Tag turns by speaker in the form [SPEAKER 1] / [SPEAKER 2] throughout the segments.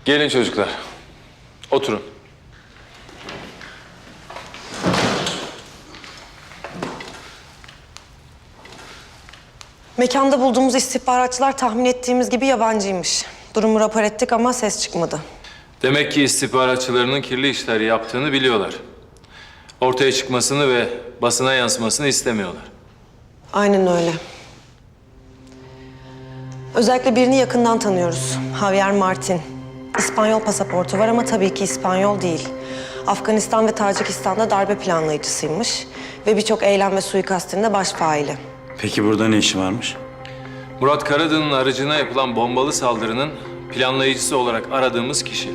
[SPEAKER 1] Gelin çocuklar. Oturun.
[SPEAKER 2] Mekanda bulduğumuz istihbaratçılar tahmin ettiğimiz gibi yabancıymış. Durumu rapor ettik ama ses çıkmadı.
[SPEAKER 1] Demek ki istihbaratçılarının kirli işler yaptığını biliyorlar. Ortaya çıkmasını ve basına yansımasını istemiyorlar.
[SPEAKER 2] Aynen öyle. Özellikle birini yakından tanıyoruz. Javier Martin. İspanyol pasaportu var ama tabii ki İspanyol değil. Afganistan ve Tacikistan'da darbe planlayıcısıymış. Ve birçok eylem ve suikastinde baş faili.
[SPEAKER 3] Peki burada ne işi varmış?
[SPEAKER 1] Murat Karadın'ın aracına yapılan bombalı saldırının planlayıcısı olarak aradığımız kişi.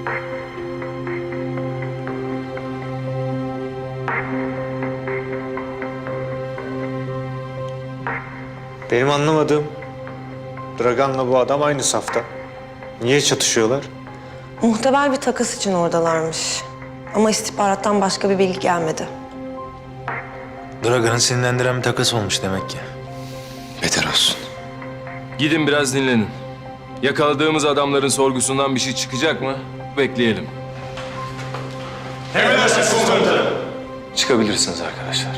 [SPEAKER 4] Benim anlamadığım, Dragan'la bu adam aynı safta. Niye çatışıyorlar?
[SPEAKER 2] Muhtemel bir takas için oradalarmış. Ama istihbarattan başka bir bilgi gelmedi.
[SPEAKER 5] Dragan'ı sinirlendiren bir takas olmuş demek ki.
[SPEAKER 3] Beter olsun.
[SPEAKER 1] Gidin biraz dinlenin. Yakaladığımız adamların sorgusundan bir şey çıkacak mı? Bekleyelim.
[SPEAKER 6] Emredersiniz komutanım.
[SPEAKER 1] Çıkabilirsiniz arkadaşlar.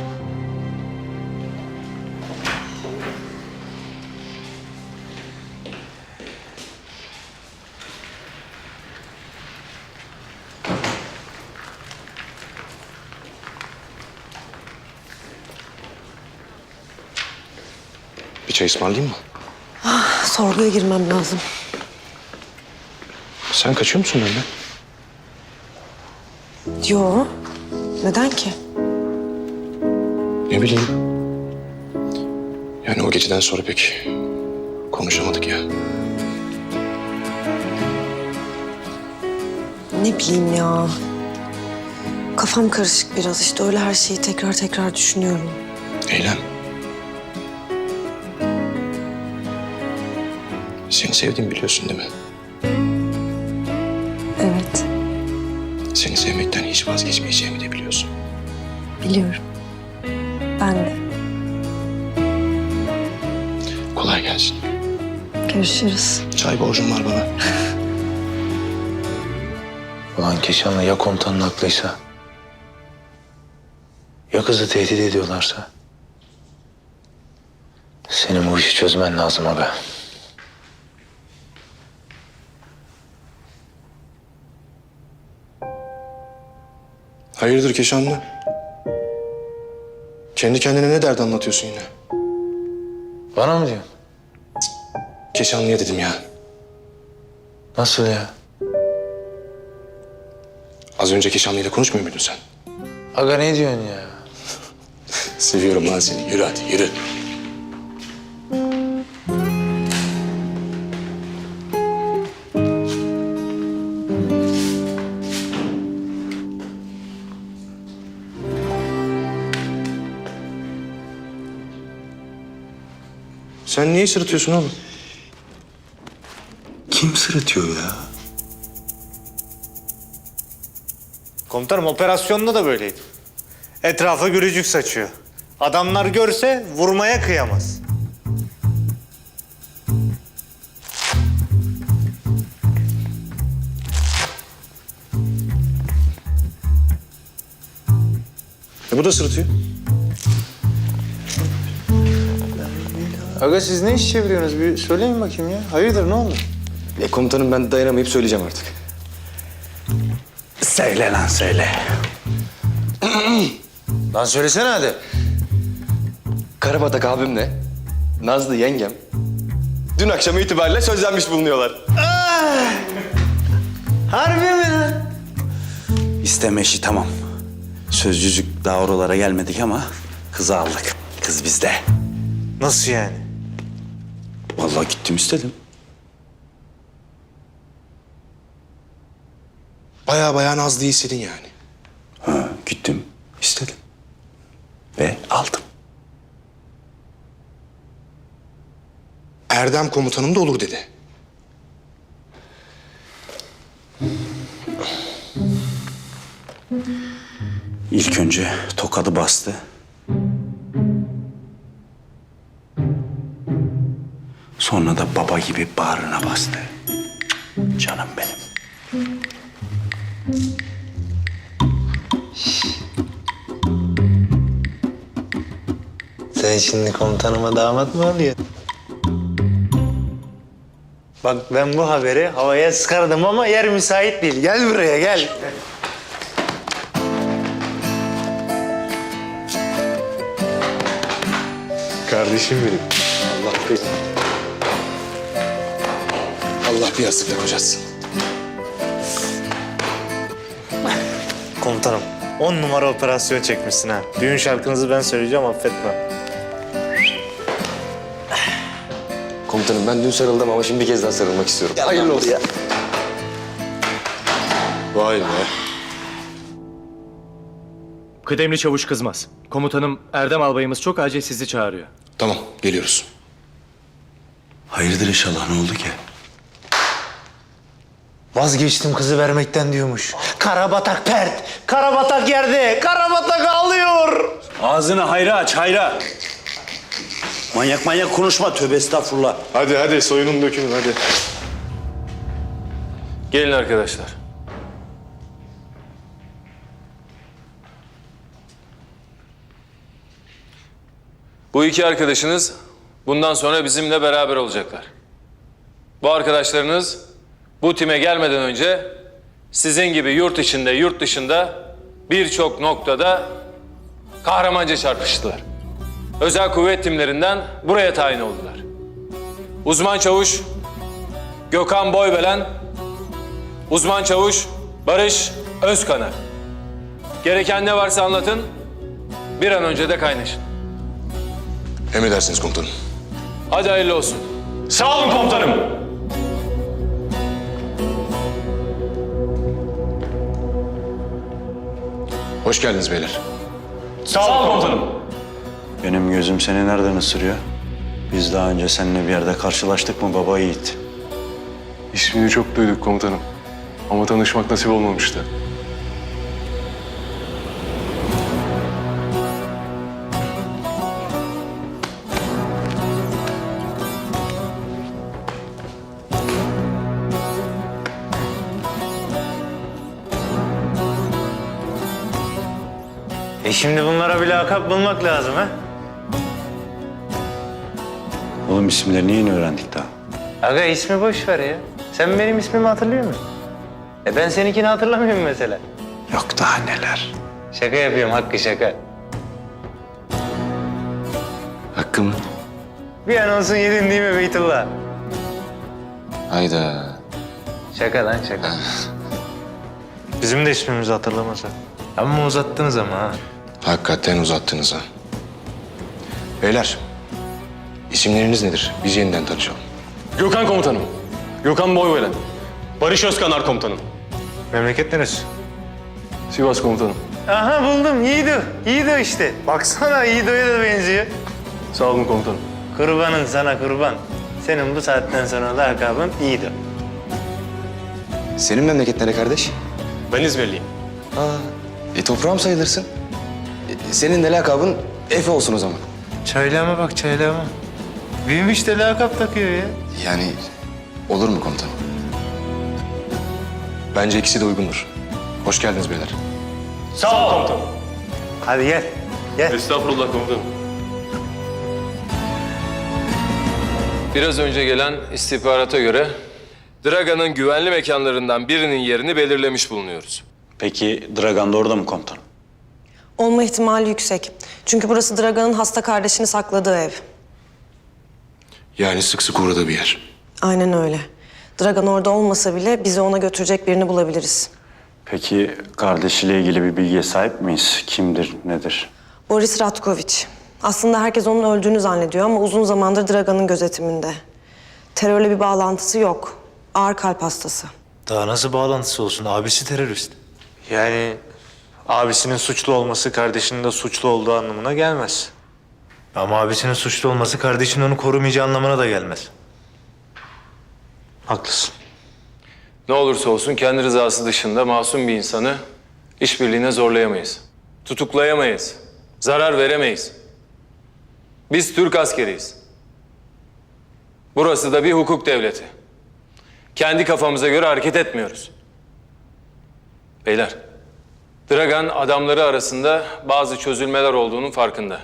[SPEAKER 6] Bir çay ısmarlayayım mı?
[SPEAKER 2] Sorguya girmem lazım.
[SPEAKER 6] Sen kaçıyor musun benden?
[SPEAKER 2] Yo. Neden ki?
[SPEAKER 6] Ne bileyim. Yani o geceden sonra pek konuşamadık ya.
[SPEAKER 2] Ne bileyim ya. Kafam karışık biraz işte öyle her şeyi tekrar tekrar düşünüyorum.
[SPEAKER 6] Eylem. Seni sevdiğimi biliyorsun değil mi?
[SPEAKER 2] Evet,
[SPEAKER 6] Seni sevmekten hiç vazgeçmeyeceğimi de biliyorsun.
[SPEAKER 2] biliyorum. Ben de.
[SPEAKER 6] Kolay gelsin.
[SPEAKER 2] Görüşürüz.
[SPEAKER 6] Çay borcum var bana.
[SPEAKER 5] Ulan Keşan'la ya komutanın haklıysa? Ya kızı tehdit ediyorlarsa? Senin bu işi çözmen lazım abi.
[SPEAKER 6] Hayırdır Keşanlı? Kendi kendine ne dert anlatıyorsun yine?
[SPEAKER 5] Bana mı diyorsun?
[SPEAKER 6] Keşanlı'ya dedim ya.
[SPEAKER 5] Nasıl ya?
[SPEAKER 6] Az önce Keşanlı'yla konuşmuyor muydun sen?
[SPEAKER 5] Aga ne diyorsun ya?
[SPEAKER 6] Seviyorum lan seni. Yürü hadi yürü. Sen niye sırıtıyorsun oğlum?
[SPEAKER 3] Kim sırıtıyor ya?
[SPEAKER 4] Komutanım operasyonda da böyleydi. Etrafa gürücük saçıyor. Adamlar görse vurmaya kıyamaz.
[SPEAKER 6] Bu da sırıtıyor.
[SPEAKER 4] Aga siz ne iş çeviriyorsunuz? Bir söyleyin bakayım ya. Hayırdır ne oldu?
[SPEAKER 6] Komutanım ben dayanamayıp söyleyeceğim artık.
[SPEAKER 3] Söyle lan söyle.
[SPEAKER 5] Lan söylesene hadi.
[SPEAKER 7] Karabatak abimle Nazlı yengem dün akşam itibariyle sözlenmiş bulunuyorlar.
[SPEAKER 4] Harbi mi lan?
[SPEAKER 3] İsteme işi tamam. Sözcücük daha oralara gelmedik ama kızı aldık. Kız bizde.
[SPEAKER 4] Nasıl yani?
[SPEAKER 3] Vallahi gittim istedim.
[SPEAKER 6] Baya Nazlı'yı istedin yani.
[SPEAKER 3] Ha, gittim istedim. Ve aldım.
[SPEAKER 6] Erdem komutanım da olur dedi.
[SPEAKER 3] İlk önce tokadı bastı. Sonra da baba gibi bağrına bastı. Canım benim.
[SPEAKER 4] Sen şimdi komutanıma damat mı oluyorsun? Bak ben bu haberi havaya sıkardım ama yer müsait değil. Gel buraya gel.
[SPEAKER 6] Kardeşim benim. Allah bir yastıkla kocasın.
[SPEAKER 4] Komutanım 10 numara operasyon çekmişsin ha. Düğün şarkınızı ben söyleyeceğim affetme.
[SPEAKER 7] Komutanım ben dün sarıldım ama şimdi bir kez daha sarılmak istiyorum. Hayırlı olsun.
[SPEAKER 6] Vay be.
[SPEAKER 8] Kıdemli Çavuş Kızmaz. Komutanım Erdem Albayımız çok acil sizi çağırıyor.
[SPEAKER 6] Tamam geliyoruz.
[SPEAKER 3] Hayırdır inşallah, ne oldu ki?
[SPEAKER 4] Vazgeçtim kızı vermekten diyormuş. Karabatak pert, karabatak yerde, karabatak ağlıyor.
[SPEAKER 3] Ağzını hayra aç, hayra. Manyak manyak konuşma, tövbe estağfurullah.
[SPEAKER 6] Hadi soyunun dökünün hadi.
[SPEAKER 1] Gelin arkadaşlar. Bu iki arkadaşınız bundan sonra bizimle beraber olacaklar. Bu arkadaşlarınız bu time gelmeden önce sizin gibi yurt içinde, yurt dışında birçok noktada kahramanca çarpıştılar. Özel kuvvet timlerinden buraya tayin oldular. Uzman çavuş Gökhan Boybelen, uzman çavuş Barış Özkanar. Gereken ne varsa anlatın, bir an önce de kaynaşın.
[SPEAKER 6] Emredersiniz komutanım.
[SPEAKER 1] Hadi hayırlı olsun.
[SPEAKER 8] Sağ olun komutanım.
[SPEAKER 6] Hoş geldiniz beyler.
[SPEAKER 8] Sağ olun komutanım.
[SPEAKER 3] Benim gözüm seni nereden ısırıyor? Biz daha önce seninle bir yerde karşılaştık mı baba yiğit?
[SPEAKER 9] İsmini çok duyduk komutanım. Ama tanışmak nasip olmamıştı.
[SPEAKER 4] Şimdi bunlara bir lakap bulmak lazım ha.
[SPEAKER 3] Oğlum isimlerini yeni öğrendik daha.
[SPEAKER 4] Aga ismi boş ver ya. Sen benim ismimi hatırlıyor musun? Ben seninkini hatırlamıyorum mesela.
[SPEAKER 3] Yok daha neler.
[SPEAKER 4] Şaka yapıyorum Hakkı şaka.
[SPEAKER 7] Hakkı mı?
[SPEAKER 4] Bir an olsun yedin değil mi Beytullah?
[SPEAKER 7] Hayda.
[SPEAKER 4] Şaka lan şaka. Bizim de ismimizi hatırlamasa. Ama uzattınız ama ha.
[SPEAKER 6] Hakikaten uzattınız ha. Beyler, isimleriniz nedir? Biz yeniden tanışalım.
[SPEAKER 8] Gökhan komutanım. Gökhan Boybelen. Barış Özkanar komutanım.
[SPEAKER 4] Memleket neresi?
[SPEAKER 9] Sivas komutanım.
[SPEAKER 4] Aha buldum Yiğido. Yiğido işte. Baksana Yiğido'ya da benziyor.
[SPEAKER 9] Sağ olun komutanım.
[SPEAKER 4] Kurbanın sana kurban. Senin bu saatten sonra lakabın Yiğido.
[SPEAKER 7] Senin memleket nere kardeş?
[SPEAKER 8] Ben İzmirliyim.
[SPEAKER 7] Toprağım sayılırsın. Senin de lakabın Efe olsun o zaman.
[SPEAKER 4] Çaylama bak çaylama. Büyümüş de lakap takıyor ya.
[SPEAKER 7] Yani olur mu komutanım?
[SPEAKER 6] Bence ikisi de uygundur. Hoş geldiniz beyler.
[SPEAKER 8] Sağ olun komutanım.
[SPEAKER 4] Hadi gel. Gel.
[SPEAKER 9] Estağfurullah komutanım.
[SPEAKER 1] Biraz önce gelen istihbarata göre Draga'nın güvenli mekanlarından birinin yerini belirlemiş bulunuyoruz.
[SPEAKER 3] Peki Dragan da orada mı komutanım?
[SPEAKER 2] Olma ihtimali yüksek. Çünkü burası Dragan'ın hasta kardeşini sakladığı ev.
[SPEAKER 6] Yani sık sık uğradığı bir yer.
[SPEAKER 2] Aynen öyle. Dragan orada olmasa bile bizi ona götürecek birini bulabiliriz.
[SPEAKER 3] Peki kardeşiyle ilgili bir bilgiye sahip miyiz? Kimdir, nedir?
[SPEAKER 2] Boris Ratkoviç. Aslında herkes onun öldüğünü zannediyor ama uzun zamandır Dragan'ın gözetiminde. Terörle bir bağlantısı yok. Ağır kalp hastası.
[SPEAKER 4] Daha nasıl bağlantısı olsun? Abisi terörist. Yani abisinin suçlu olması kardeşinin de suçlu olduğu anlamına gelmez. Ama abisinin suçlu olması kardeşinin onu korumayacağı anlamına da gelmez. Haklısın.
[SPEAKER 1] Ne olursa olsun kendi rızası dışında masum bir insanı işbirliğine zorlayamayız. Tutuklayamayız. Zarar veremeyiz. Biz Türk askeriyiz. Burası da bir hukuk devleti. Kendi kafamıza göre hareket etmiyoruz. Beyler, Dragan adamları arasında bazı çözülmeler olduğunun farkında.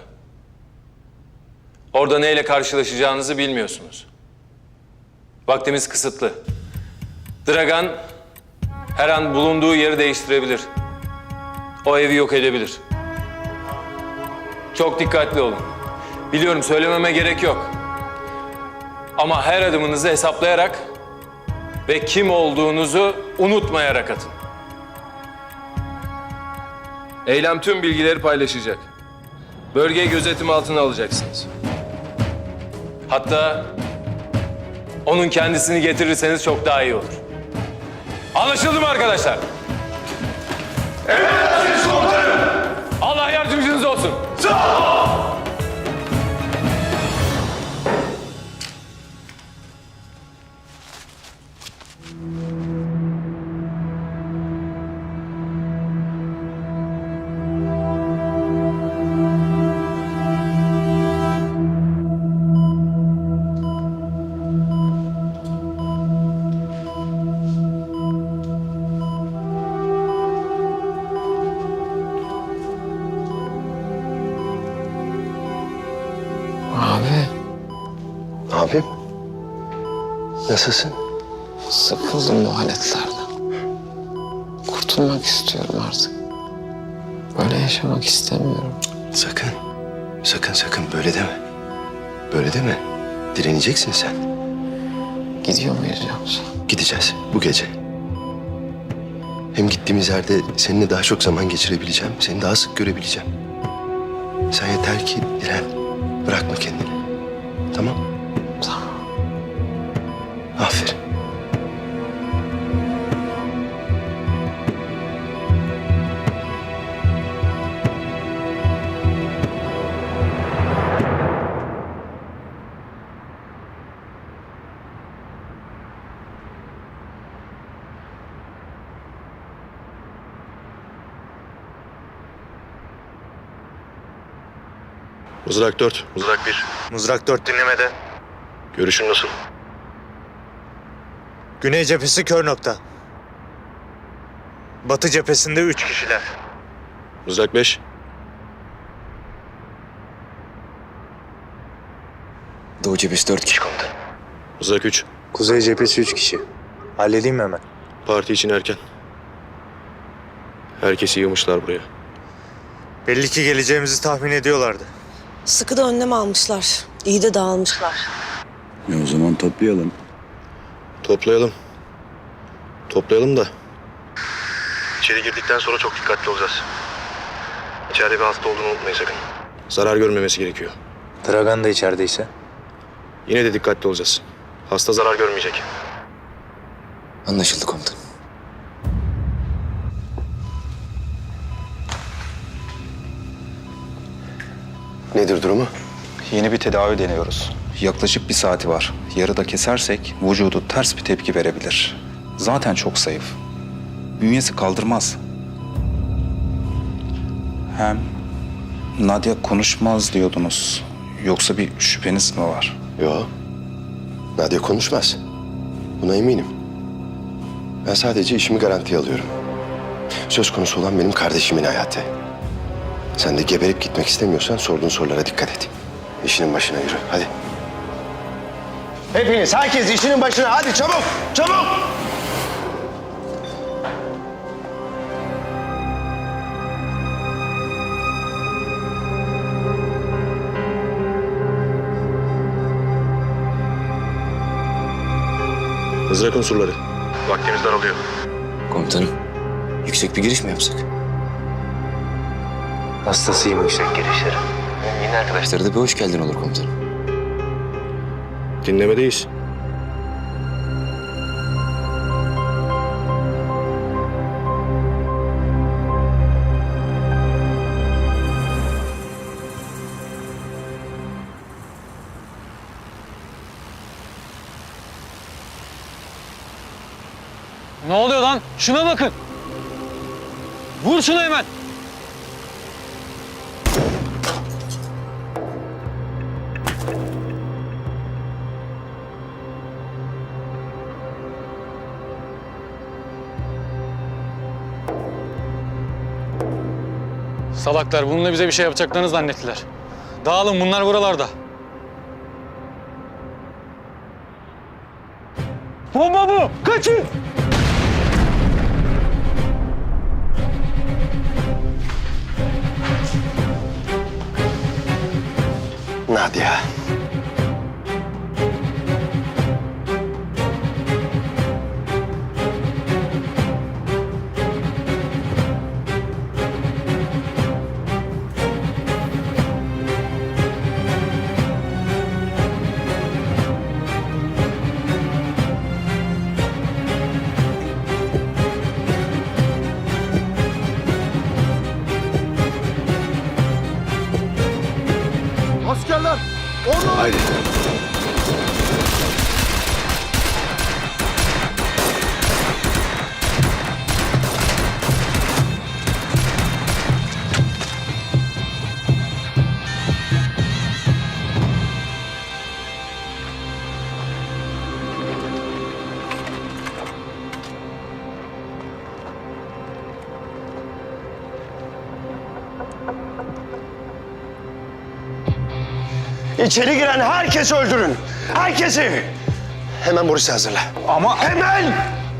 [SPEAKER 1] Orada neyle karşılaşacağınızı bilmiyorsunuz. Vaktimiz kısıtlı. Dragan her an bulunduğu yeri değiştirebilir. O evi yok edebilir. Çok dikkatli olun. Biliyorum söylememe gerek yok. Ama her adımınızı hesaplayarak ve kim olduğunuzu unutmayarak atın. Eylem tüm bilgileri paylaşacak. Bölgeyi gözetim altına alacaksınız. Hatta onun kendisini getirirseniz çok daha iyi olur. Anlaşıldı mı arkadaşlar? Emredersiniz komutanım. Allah yardımcınız olsun.
[SPEAKER 7] Abi. Abim. Nasılsın?
[SPEAKER 6] Sıkıldım bu aletlerden. Kurtulmak istiyorum artık. Böyle yaşamak istemiyorum.
[SPEAKER 7] Sakın. Sakın böyle deme. Böyle deme. Direneceksin sen.
[SPEAKER 6] Gidiyor muyuz yoksa?
[SPEAKER 7] Gideceğiz bu gece. Hem gittiğimiz yerde seninle daha çok zaman geçirebileceğim. Seni daha sık görebileceğim. Sen yeter ki diren. Bırakma kendini. Tamam?
[SPEAKER 6] Tamam.
[SPEAKER 7] Aferin.
[SPEAKER 10] Mızrak 4.
[SPEAKER 4] Mızrak 1. Mızrak 4 dinlemede.
[SPEAKER 10] Görüşün nasıl?
[SPEAKER 4] Güney cephesi kör nokta. Batı cephesinde 3 kişiler.
[SPEAKER 10] Mızrak 5.
[SPEAKER 7] Doğu cephesi 4 kişi komutan.
[SPEAKER 10] Mızrak 3.
[SPEAKER 4] Kuzey cephesi 3 kişi. Halledeyim mi hemen?
[SPEAKER 10] Parti için erken. Herkesi yığmışlar buraya.
[SPEAKER 4] Belli ki geleceğimizi tahmin ediyorlardı.
[SPEAKER 2] Sıkı da önlem almışlar. İyi de dağılmışlar.
[SPEAKER 3] O zaman toplayalım.
[SPEAKER 10] Toplayalım. Toplayalım da. İçeri girdikten sonra çok dikkatli olacağız. İçeride bir hasta olduğunu unutmayın sakın. Zarar görmemesi gerekiyor.
[SPEAKER 4] Dragan da içerideyse.
[SPEAKER 10] Yine de dikkatli olacağız. Hasta zarar görmeyecek.
[SPEAKER 7] Anlaşıldı komutan. Nedir durumu?
[SPEAKER 11] Yeni bir tedavi deniyoruz. Yaklaşık 1 saati var. Yarıda kesersek vücudu ters bir tepki verebilir. Zaten çok zayıf. Bünyesi kaldırmaz. Hem Nadia konuşmaz diyordunuz. Yoksa bir şüpheniz mi var?
[SPEAKER 7] Yok. Nadia konuşmaz. Buna eminim. Ben sadece işimi garantiye alıyorum. Söz konusu olan benim kardeşimin hayatı. Sen de geberip gitmek istemiyorsan sorduğun sorulara dikkat et. İşinin başına yürü. Hadi. Hepiniz, herkes işinin başına. Hadi çabuk, çabuk.
[SPEAKER 10] Mızrak unsurları. Vaktimiz daralıyor.
[SPEAKER 7] Komutanım, yüksek bir giriş mi yapsak?
[SPEAKER 4] Hastasıyım yüksek girişleri.
[SPEAKER 7] Yeni arkadaşlara da bir hoş geldin olur komutanım.
[SPEAKER 10] Dinlemedeyiz.
[SPEAKER 8] Ne oluyor lan? Şuna bakın. Vur şunu hemen. Salaklar bununla bize bir şey yapacaklarını zannettiler. Dağılın bunlar buralarda. Bomba bu! Kaçın!
[SPEAKER 7] Nadia.
[SPEAKER 10] Askerler! Orada!
[SPEAKER 7] Haydi. İçeri giren herkesi öldürün. Herkesi. Hemen Boris'i hazırla.
[SPEAKER 11] Ama
[SPEAKER 7] Hemen!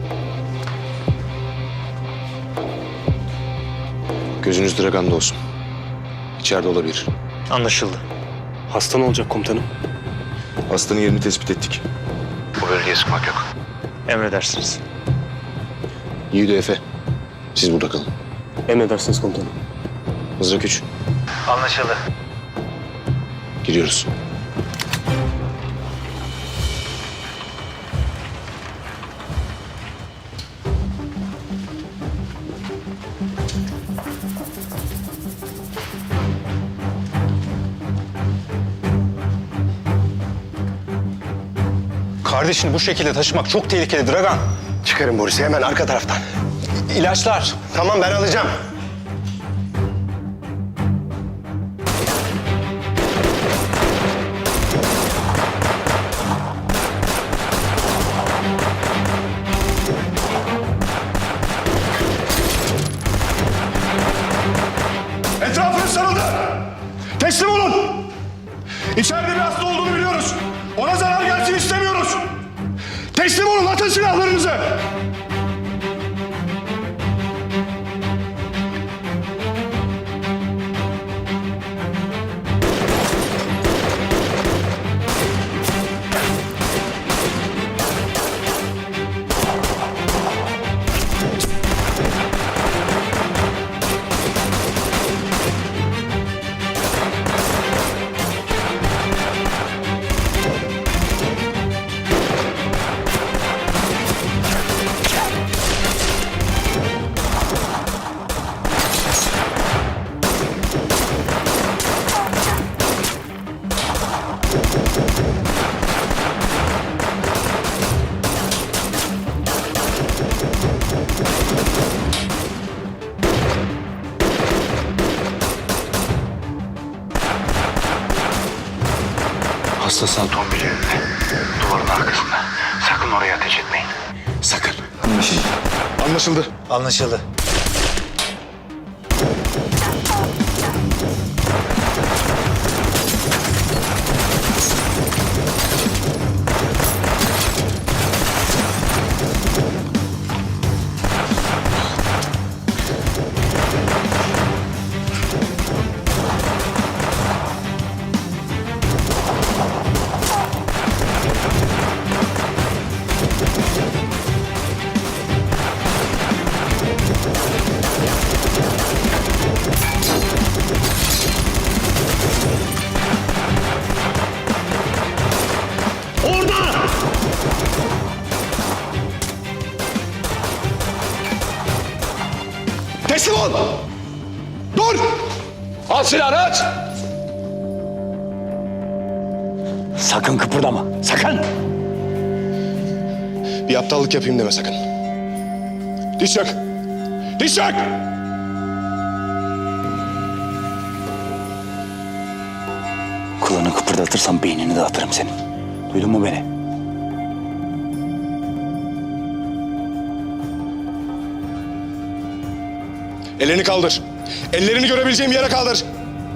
[SPEAKER 10] Gözünüz Dragan'da olsun. İçeride olabilir.
[SPEAKER 4] Anlaşıldı.
[SPEAKER 10] Hasta ne olacak komutanım? Hastanın yerini tespit ettik. Bu bölgeye sıkmak yok.
[SPEAKER 4] Emredersiniz.
[SPEAKER 10] Yiğido Efe, siz burada kalın.
[SPEAKER 8] Emredersiniz komutanım.
[SPEAKER 10] Mızrak 3,
[SPEAKER 4] Anlaşıldı.
[SPEAKER 10] giriyoruz.
[SPEAKER 11] kardeşini bu şekilde taşımak çok tehlikeli Dragan.
[SPEAKER 7] Çıkarın Boris'i hemen arka taraftan.
[SPEAKER 11] İlaçlar.
[SPEAKER 7] Tamam ben alacağım.
[SPEAKER 10] Etrafınız sarıldı. Teslim olun. İçeride bir hasta olduğunu biliyoruz. Ona zarar gelsin istemiyoruz. Teslim olun, atın silahlarınızı.
[SPEAKER 11] Hastasın Tombil'in duvarın arkasında. Sakın oraya ateş etmeyin.
[SPEAKER 7] Sakın.
[SPEAKER 10] Anlaşıldı.
[SPEAKER 4] Anlaşıldı.
[SPEAKER 10] Teslim ol. Dur. Al silahını aç.
[SPEAKER 3] Sakın kıpırdama. Sakın.
[SPEAKER 10] Bir aptallık yapayım deme sakın. Diş çök. Diş çök.
[SPEAKER 3] Kulağını kıpırdatırsam beynini dağıtırım senin. Duydun mu beni?
[SPEAKER 10] Ellerini kaldır. Ellerini görebileceğim yere kaldır.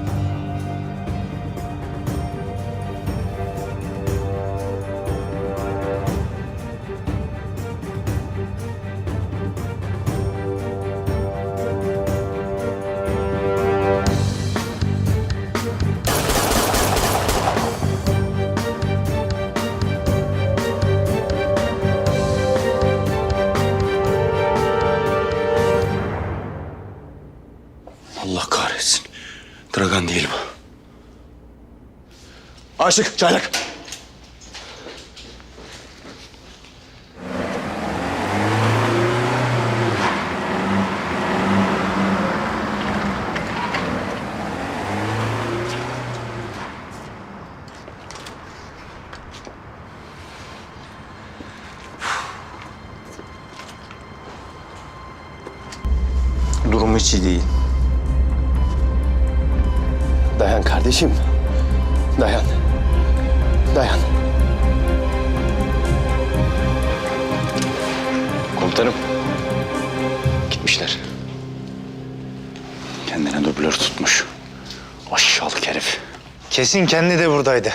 [SPEAKER 7] Allah kahretsin. Dragan değil bu. Aşık, çaylak.
[SPEAKER 4] Durum hiç iyi değil.
[SPEAKER 7] Dayan kardeşim. Dayan. Dayan. Komutanım. Gitmişler.
[SPEAKER 3] Kendine dublör tutmuş. Aşağılık herif.
[SPEAKER 4] Kesin kendi de buradaydı.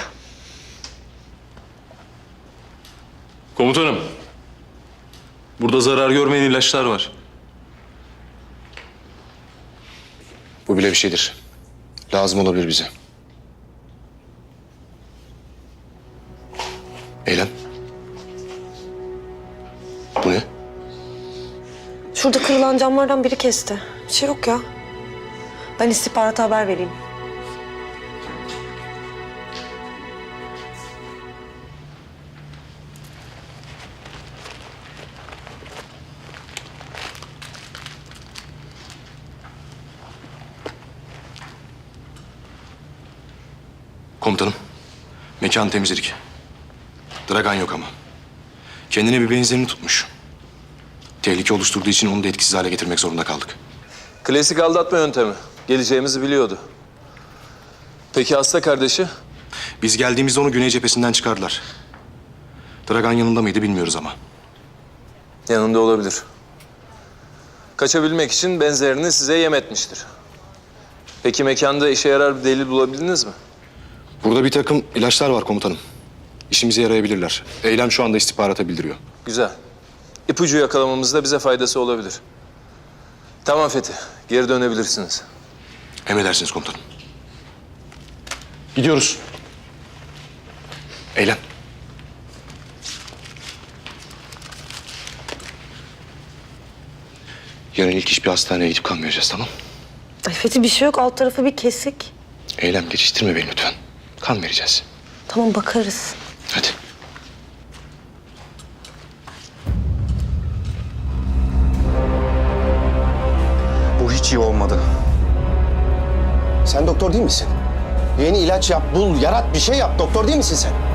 [SPEAKER 9] Komutanım. Burada zarar görmeyen ilaçlar var.
[SPEAKER 10] Bu bile bir şeydir. Lazım olabilir bize. Eylem. Bu ne?
[SPEAKER 2] Şurada kırılan camlardan biri kesti. Bir şey yok ya. Ben istihbarata haber vereyim.
[SPEAKER 10] Komutanım. Mekanı temizledik. Dragan yok ama. Kendine bir benzerini tutmuş. Tehlike oluşturduğu için onu da etkisiz hale getirmek zorunda kaldık.
[SPEAKER 1] Klasik aldatma yöntemi. Geleceğimizi biliyordu. Peki hasta kardeşi?
[SPEAKER 10] Biz geldiğimizde onu güney cephesinden çıkardılar. Dragan yanında mıydı bilmiyoruz ama.
[SPEAKER 1] Yanında olabilir. Kaçabilmek için benzerini size yem etmiştir. Peki mekanda işe yarar bir delil bulabildiniz mi?
[SPEAKER 10] Burada bir takım ilaçlar var komutanım. İşimize yarayabilirler. Eylem şu anda istihbarata bildiriyor.
[SPEAKER 1] Güzel. İpucu yakalamamızda bize faydası olabilir. Tamam Fethi, geri dönebilirsiniz.
[SPEAKER 10] Emredersiniz komutanım. Gidiyoruz. Eylem. Yarın ilk iş bir hastaneye gidip kan vereceğiz, tamam?
[SPEAKER 2] Ay Fethi bir şey yok. Alt tarafı bir kesik.
[SPEAKER 10] Eylem geçiştirme beni lütfen. Kan vereceğiz.
[SPEAKER 2] Tamam bakarız.
[SPEAKER 10] Hadi.
[SPEAKER 7] Bu hiç iyi olmadı. Sen doktor değil misin? Yeni ilaç yap, bul, yarat, bir şey yap. Doktor değil misin sen?